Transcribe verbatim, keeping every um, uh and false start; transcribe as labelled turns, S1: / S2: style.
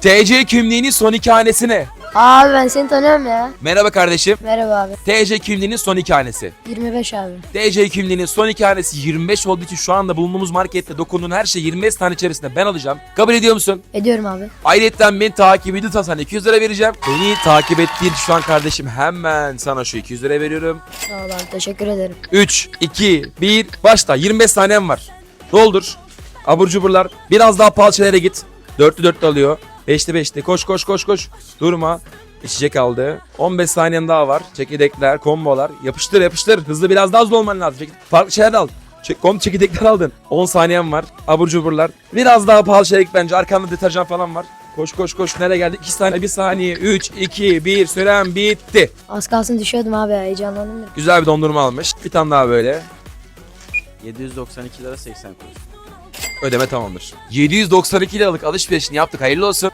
S1: T C kimliğinin son iki hanesi ne?
S2: Abi ben seni tanıyorum ya.
S1: Merhaba kardeşim.
S2: Merhaba abi.
S1: T C kimliğinin son iki hanesi.
S2: yirmi beş abi.
S1: T C kimliğinin son iki hanesi yirmi beş olduğu için şu anda bulunduğumuz markette dokunduğun her şey yirmi beş tane içerisinde ben alacağım. Kabul ediyor musun?
S2: Ediyorum abi.
S1: Ayrıca beni takip ediyorsan sana iki yüz lira vereceğim. Beni takip ettiğin şu an kardeşim hemen sana şu iki yüz lira veriyorum.
S2: Sağ ol abi, teşekkür ederim.
S1: üç, iki, bir, başla. yirmi beş saniyem var. Doldur. Abur cuburlar. Biraz daha pahalı şeylere git. Dörtlü dörtlü alıyor. Beşli beşli. Koş koş koş koş. Durma. İçecek aldı. on beş saniyen daha var. Çekirdekler, kombolar. Yapıştır yapıştır. Hızlı biraz daha hızlı olman lazım. Çek- Farklı şeyler al. Çek kom çekirdekler aldın. on saniyen var. Abur cuburlar. Biraz daha pahalı şeyler git bence. Arkanda deterjan falan var. Koş koş koş. Nereye geldik? iki saniye, bir saniye. üç, iki, bir. Süren bitti.
S2: Az kalsın düşüyordum abi, heyecanlandım da.
S1: Güzel bir dondurma almış. Bir tane daha böyle.
S3: yedi yüz doksan iki lira seksen kuruş.
S1: Ödeme tamamdır. yedi yüz doksan iki liralık alışverişini yaptık. Hayırlı olsun.